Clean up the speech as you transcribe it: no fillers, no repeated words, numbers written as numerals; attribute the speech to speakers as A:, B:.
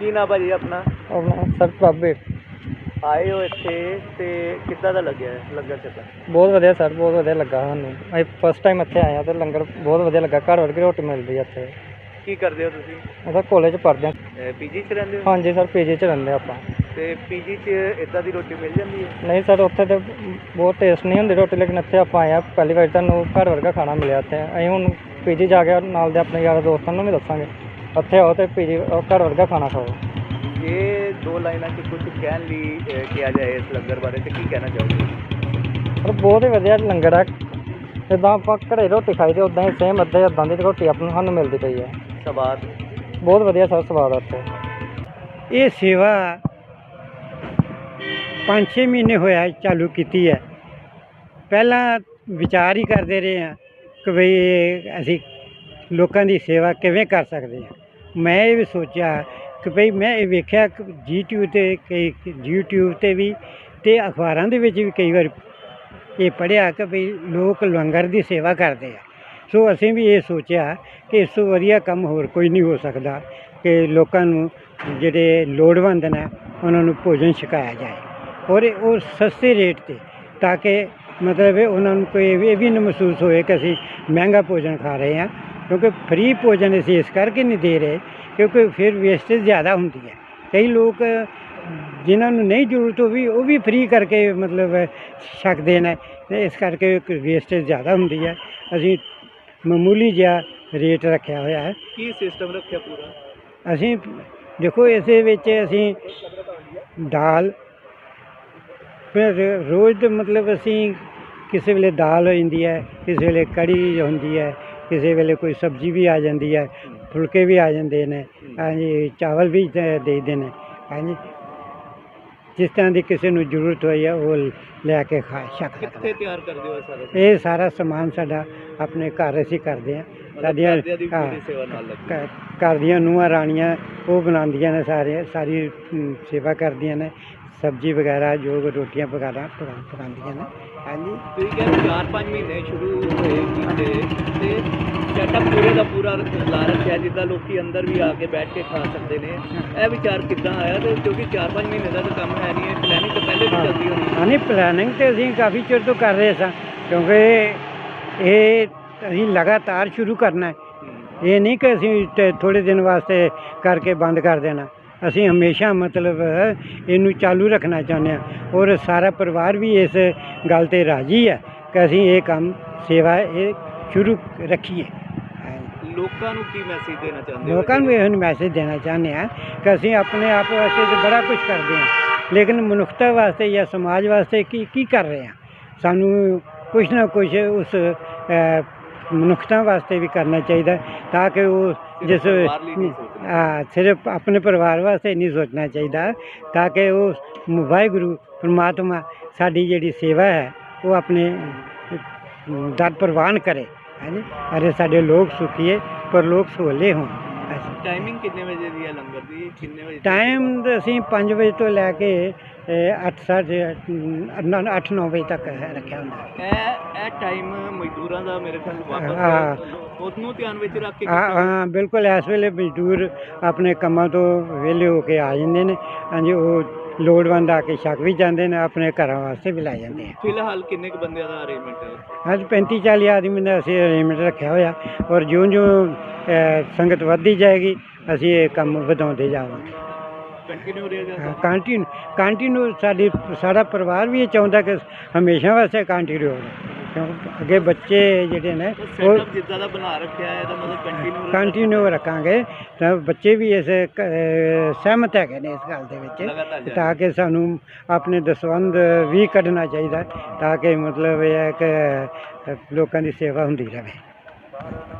A: ਕੀ ਨਾ ਭਾਜੀ ਆਪਣਾ?
B: ਆਪਣਾ ਸਰ ਬਾਬੇ
A: ਆਏ ਹੋ ਇੱਥੇ ਤੇ ਕਿੱਦਾਂ ਦਾ ਲੱਗਿਆ ਲੰਗਰ ਛਕਣ?
B: ਬਹੁਤ ਵਧੀਆ ਸਰ, ਬਹੁਤ ਵਧੀਆ ਲੱਗਾ ਸਾਨੂੰ। ਅਸੀਂ ਫਸਟ ਟਾਈਮ ਇੱਥੇ ਆਏ ਹਾਂ ਤੇ ਲੰਗਰ ਬਹੁਤ ਵਧੀਆ ਲੱਗਾ। ਘਰ ਵਰਗੀ ਰੋਟੀ ਮਿਲਦੀ ਹੈ ਇੱਥੇ।
A: ਕੀ ਕਰਦੇ ਹੋ ਤੁਸੀਂ?
B: ਅਸੀਂ ਕਾਲਜ ਪੜ੍ਹਦੇ ਹਾਂ।
A: ਪੀਜੀ 'ਚ ਰਹਿੰਦੇ ਹੋ?
B: ਹਾਂਜੀ ਸਰ, ਪੀਜੀ 'ਚ ਰਹਿੰਦੇ ਆਪਾਂ।
A: ਤੇ ਪੀਜੀ 'ਚ ਇੱਦਾਂ ਦੀ ਰੋਟੀ ਮਿਲ ਜਾਂਦੀ ਹੈ?
B: ਨਹੀਂ ਸਰ, ਉੱਥੇ ਤਾਂ ਬਹੁਤ ਟੇਸਟ ਨਹੀਂ ਹੁੰਦੀ ਰੋਟੀ, ਲੇਕਿਨ ਇੱਥੇ ਆਪਾਂ ਆਏ ਹਾਂ ਪਹਿਲੀ ਵਾਰ, ਤੁਹਾਨੂੰ ਘਰ ਵਰਗਾ ਖਾਣਾ ਮਿਲਿਆ ਇੱਥੇ। ਅਸੀਂ ਹੁਣ ਪੀਜੀ ਜਾ ਕੇ ਨਾਲ ਦੇ ਆਪਣੇ ਯਾਰਾਂ ਦੋਸਤਾਂ ਨੂੰ ਵੀ ਦੱਸਾਂਗੇ ਇੱਥੇ ਆਓ ਤੇ ਪੀਜੀ ਘਰ ਵਰਗਾ ਖਾਣਾ ਖਾਓ।
A: ਇਹ ਦੋ ਲਾਈਨਾਂ 'ਚ ਕੁਝ ਕਹਿਣ ਲਈ ਕਿਹਾ ਜਾਏ ਇਸ ਲੰਗਰ ਬਾਰੇ ਤੇ ਕੀ ਕਹਿਣਾ ਚਾਹੋਗੇ?
B: ਪਰ ਬਹੁਤ ਹੀ ਵਧੀਆ ਲੰਗਰ ਹੈ। ਜਿੱਦਾਂ ਆਪਾਂ ਘਰੇ ਰੋਟੀ ਖਾਈ ਦੀ ਉੱਦਾਂ ਹੀ ਸੇਮ ਇੱਦਾਂ ਦੀ ਰੋਟੀ ਆਪਾਂ ਨੂੰ ਸਾਨੂੰ ਮਿਲਦੀ ਪਈ ਹੈ।
A: ਸਵਾਦ
B: ਬਹੁਤ ਵਧੀਆ ਸਰ, ਸਵਾਦ ਆ ਇੱਥੇ।
C: ਇਹ ਸੇਵਾ 5-6 ਮਹੀਨੇ ਹੋਇਆ ਚਾਲੂ ਕੀਤੀ ਹੈ। ਪਹਿਲਾਂ ਵਿਚਾਰ ਹੀ ਕਰਦੇ ਰਹੇ ਹਾਂ ਕਿ ਬਈ ਅਸੀਂ ਲੋਕਾਂ ਦੀ ਸੇਵਾ ਕਿਵੇਂ ਕਰ ਸਕਦੇ ਹਾਂ। ਮੈਂ ਇਹ ਵੀ ਸੋਚਿਆ ਕਿ ਭਈ ਮੈਂ ਇਹ ਵੇਖਿਆ ਕਿ YouTube 'ਤੇ ਵੀ ਅਤੇ ਅਖਬਾਰਾਂ ਦੇ ਵਿੱਚ ਵੀ ਕਈ ਵਾਰ ਇਹ ਪੜ੍ਹਿਆ ਕਿ ਭਈ ਲੋਕ ਲੰਗਰ ਦੀ ਸੇਵਾ ਕਰਦੇ ਆ। ਸੋ ਅਸੀਂ ਵੀ ਇਹ ਸੋਚਿਆ ਕਿ ਇਸ ਤੋਂ ਵਧੀਆ ਕੰਮ ਹੋਰ ਕੋਈ ਨਹੀਂ ਹੋ ਸਕਦਾ ਕਿ ਲੋਕਾਂ ਨੂੰ ਜਿਹੜੇ ਲੋੜਵੰਦ ਨੇ ਉਹਨਾਂ ਨੂੰ ਭੋਜਨ ਛਕਾਇਆ ਜਾਏ, ਔਰ ਉਹ ਸਸਤੇ ਰੇਟ 'ਤੇ, ਤਾਂ ਕਿ ਮਤਲਬ ਉਹਨਾਂ ਨੂੰ ਕੋਈ ਇਹ ਵੀ ਨਾ ਮਹਿਸੂਸ ਹੋਏ ਕਿ ਅਸੀਂ ਮਹਿੰਗਾ ਭੋਜਨ ਖਾ ਰਹੇ ਹਾਂ। ਕਿਉਂਕਿ ਫ੍ਰੀ ਭੋਜਨ ਅਸੀਂ ਇਸ ਕਰਕੇ ਨਹੀਂ ਦੇ ਰਹੇ ਕਿਉਂਕਿ ਫਿਰ ਵੇਸਟੇਜ ਜ਼ਿਆਦਾ ਹੁੰਦੀ ਹੈ। ਕਈ ਲੋਕ ਜਿਨ੍ਹਾਂ ਨੂੰ ਨਹੀਂ ਜ਼ਰੂਰਤ ਉਹ ਵੀ ਫ੍ਰੀ ਕਰਕੇ ਮਤਲਬ ਛਕਦੇ ਨੇ, ਅਤੇ ਇਸ ਕਰਕੇ ਵੇਸਟੇਜ ਜ਼ਿਆਦਾ ਹੁੰਦੀ ਹੈ। ਅਸੀਂ ਮਾਮੂਲੀ ਜਿਹਾ ਰੇਟ ਰੱਖਿਆ ਹੋਇਆ ਹੈ।
A: ਕੀ ਸਿਸਟਮ ਰੱਖਿਆ ਪੂਰਾ?
C: ਅਸੀਂ ਦੇਖੋ ਇਸੇ ਵਿੱਚ ਅਸੀਂ ਦਾਲ, ਫਿਰ ਰੋਜ਼ ਦੇ ਮਤਲਬ ਅਸੀਂ ਕਿਸੇ ਵੇਲੇ ਦਾਲ ਹੋ ਜਾਂਦੀ ਹੈ, ਕਿਸੇ ਵੇਲੇ ਕੜੀ ਹੁੰਦੀ ਹੈ, ਕਿਸੇ ਵੇਲੇ ਕੋਈ ਸਬਜ਼ੀ ਵੀ ਆ ਜਾਂਦੀ ਹੈ, ਫੁਲਕੇ ਵੀ ਆ ਜਾਂਦੇ ਨੇ, ਹਾਂਜੀ ਚਾਵਲ ਵੀ ਦੇ ਦਿੰਦੇ ਨੇ, ਹਾਂਜੀ ਜਿਸ ਤਰ੍ਹਾਂ ਦੀ ਕਿਸੇ ਨੂੰ ਜ਼ਰੂਰਤ ਹੋਈ ਹੈ ਉਹ ਲੈ ਕੇ ਖਾ ਸਕਦਾ।
A: ਕਿੱਥੇ ਤਿਆਰ ਕਰਦੇ ਹੋ ਸਾਰਾ?
C: ਇਹ ਸਾਰਾ ਸਮਾਨ ਸਾਡਾ ਆਪਣੇ ਘਰ ਅਸੀਂ ਕਰਦੇ ਹਾਂ। ਸਾਡੀਆਂ
A: ਸੇਵਾ ਨਾਲ ਲੱਗੀ।
C: ਘਰ ਦੀਆਂ ਨੂੰਹਾਂ ਰਾਣੀਆਂ ਉਹ ਬਣਾਉਂਦੀਆਂ ਨੇ, ਸਾਰੀ ਸੇਵਾ ਕਰਦੀਆਂ ਨੇ, ਸਬਜ਼ੀ ਵਗੈਰਾ ਜੋ ਰੋਟੀਆਂ ਵਗੈਰਾ ਪਕਾਉਂਦੀਆਂ ਨੇ। ਹਾਂਜੀ,
A: ਤੁਸੀਂ ਕਹਿੰਦੇ 4-5 ਮਹੀਨੇ ਸ਼ੁਰੂ ਹੋਏ ਕੀਤੇ ਤੇ ਸੈਟਅਪ ਪੂਰੇ ਦਾ ਪੂਰਾ ਲਾ ਰੱਖਿਆ ਜਿੱਦਾਂ ਲੋਕੀ ਅੰਦਰ ਵੀ ਆ ਕੇ ਬੈਠ ਕੇ ਖਾ ਸਕਦੇ ਨੇ। ਇਹ ਵਿਚਾਰ ਕਿੱਦਾਂ ਆਇਆ? ਤੇ ਕਿਉਂਕਿ 4-5 ਮਹੀਨੇ ਦਾ ਤਾਂ ਕੰਮ ਹੈ ਨਹੀਂ, ਇਹ ਪਲੈਨਿੰਗ ਤਾਂ ਪਹਿਲੇ ਵੀ ਚੱਲਦੀ ਹੋਣੀ।
C: ਹਾਂ ਨਹੀਂ, ਪਲੈਨਿੰਗ ਤਾਂ ਅਸੀਂ ਕਾਫੀ ਚਿਰ ਤੋਂ ਕਰ ਰਹੇ ਸਾਂ, ਕਿਉਂਕਿ ਇਹ ਅਸੀਂ ਲਗਾਤਾਰ ਸ਼ੁਰੂ ਕਰਨਾ ਹੈ। ਇਹ ਨਹੀਂ ਕਿ ਅਸੀਂ ਥੋੜ੍ਹੇ ਦਿਨ ਵਾਸਤੇ ਕਰਕੇ ਬੰਦ ਕਰ ਦੇਣਾ। ਅਸੀਂ ਹਮੇਸ਼ਾ ਮਤਲਬ ਇਹਨੂੰ ਚਾਲੂ ਰੱਖਣਾ ਚਾਹੁੰਦੇ ਹਾਂ, ਔਰ ਸਾਰਾ ਪਰਿਵਾਰ ਵੀ ਇਸ ਗੱਲ 'ਤੇ ਰਾਜ਼ੀ ਹੈ ਕਿ ਅਸੀਂ ਇਹ ਕੰਮ ਸੇਵਾ ਇਹ ਸ਼ੁਰੂ ਰੱਖੀਏ।
A: ਲੋਕਾਂ ਨੂੰ ਕੀ ਮੈਸੇਜ ਦੇਣਾ ਚਾਹੁੰਦੇ ਹੋ?
C: ਲੋਕਾਂ ਨੂੰ ਇਹ ਮੈਸੇਜ ਦੇਣਾ ਚਾਹੁੰਦੇ ਹਾਂ ਕਿ ਅਸੀਂ ਆਪਣੇ ਆਪ ਵਾਸਤੇ ਤਾਂ ਬੜਾ ਕੁਝ ਕਰਦੇ ਹਾਂ, ਲੇਕਿਨ ਮਨੁੱਖਤਾ ਵਾਸਤੇ ਜਾਂ ਸਮਾਜ ਵਾਸਤੇ ਕੀ ਕਰ ਰਹੇ ਹਾਂ। ਸਾਨੂੰ ਕੁਛ ਨਾ ਕੁਛ ਉਸ ਮਨੁੱਖਤਾ ਵਾਸਤੇ ਵੀ ਕਰਨਾ ਚਾਹੀਦਾ, ਤਾਂ ਕਿ ਉਹ ਜਿਸ ਸਿਰਫ ਆਪਣੇ ਪਰਿਵਾਰ ਵਾਸਤੇ ਨਹੀਂ ਸੋਚਣਾ ਚਾਹੀਦਾ, ਤਾਂ ਕਿ ਉਹ ਵਾਹਿਗੁਰੂ ਪਰਮਾਤਮਾ ਸਾਡੀ ਜਿਹੜੀ ਸੇਵਾ ਹੈ ਉਹ ਆਪਣੇ ਦਰ ਪ੍ਰਵਾਨ ਕਰੇ। ਹਾਂਜੀ, ਅਰੇ ਸਾਡੇ ਲੋਕ ਸੁਖੀਏ ਪਰ ਲੋਕ ਸੋਲੇ ਹੋਣ।
A: ਟਾਈਮਿੰਗ ਕਿੰਨੇ ਵਜੇ ਦੀ ਹੈ ਲੰਗਰ ਦੀ? ਕਿੰਨੇ ਵਜੇ
C: ਟਾਈਮ ਅਸੀਂ 5 ਵਜੇ ਤੋਂ ਲੈ ਕੇ 8-9 ਵਜੇ ਤੱਕ ਰੱਖਿਆ ਹੁੰਦਾ।
A: ਇਹ ਟਾਈਮ ਮਜ਼ਦੂਰਾਂ ਦਾ ਮੇਰੇ ਖਿਆਲ ਵਾਪਸ ਉਹਨੂੰ ਧਿਆਨ ਵਿੱਚ ਰੱਖ ਕੇ?
C: ਹਾਂ ਬਿਲਕੁਲ, ਇਸ ਵੇਲੇ ਮਜ਼ਦੂਰ ਆਪਣੇ ਕੰਮਾਂ ਤੋਂ ਵਿਹਲੇ ਹੋ ਕੇ ਆ ਜਾਂਦੇ ਨੇ। ਹਾਂਜੀ, ਉਹ ਲੋੜਵੰਦ ਆ ਕੇ ਛਕ ਵੀ ਜਾਂਦੇ ਨੇ, ਆਪਣੇ ਘਰਾਂ ਵਾਸਤੇ ਵੀ ਲੈ ਜਾਂਦੇ ਆ।
A: ਫਿਲਹਾਲ ਕਿੰਨੇ ਕੁ ਬੰਦਿਆਂ ਦਾ ਅਰੇਂਜਮੈਂਟ ਹੈ?
C: ਅੱਜ 35-40 ਆਦਮੀ ਦਾ ਅਸੀਂ ਅਰੇਂਜਮੈਂਟ ਰੱਖਿਆ ਹੋਇਆ, ਔਰ ਜਿਉਂ ਸੰਗਤ ਵੱਧਦੀ ਜਾਏਗੀ ਅਸੀਂ ਇਹ ਕੰਮ ਵਧਾਉਂਦੇ ਜਾਵਾਂਗੇ।
A: ਕੰਟੀਨਿਊ ਰਹੇਗਾ?
C: ਕੰਟੀਨਿਊ ਸਾਡਾ ਪਰਿਵਾਰ ਵੀ ਇਹ ਚਾਹੁੰਦਾ ਕਿ ਹਮੇਸ਼ਾ ਵਾਸਤੇ ਕੰਟੀਨਿਊ ਹੋਵੇ, ਕਿਉਂਕਿ ਅੱਗੇ ਬੱਚੇ ਜਿਹੜੇ ਨੇ ਉਹ
A: ਜਿੱਦਾਂ ਦਾ ਬਣਾ ਰੱਖਿਆ ਹੈ ਇਹਦਾ ਮਤਲਬ
C: ਕੰਟੀਨਿਊ ਰੱਖਾਂਗੇ। ਤਾਂ ਬੱਚੇ ਵੀ ਇਸ ਸਹਿਮਤ ਹੈਗੇ ਨੇ ਇਸ ਗੱਲ ਦੇ ਵਿੱਚ, ਤਾਂ ਕਿ ਸਾਨੂੰ ਆਪਣੇ ਦਸਵੰਧ ਵੀ ਕੱਢਣਾ ਚਾਹੀਦਾ, ਤਾਂ ਕਿ ਮਤਲਬ ਇਹ ਹੈ ਕਿ ਲੋਕਾਂ ਦੀ ਸੇਵਾ ਹੁੰਦੀ ਰਹੇ।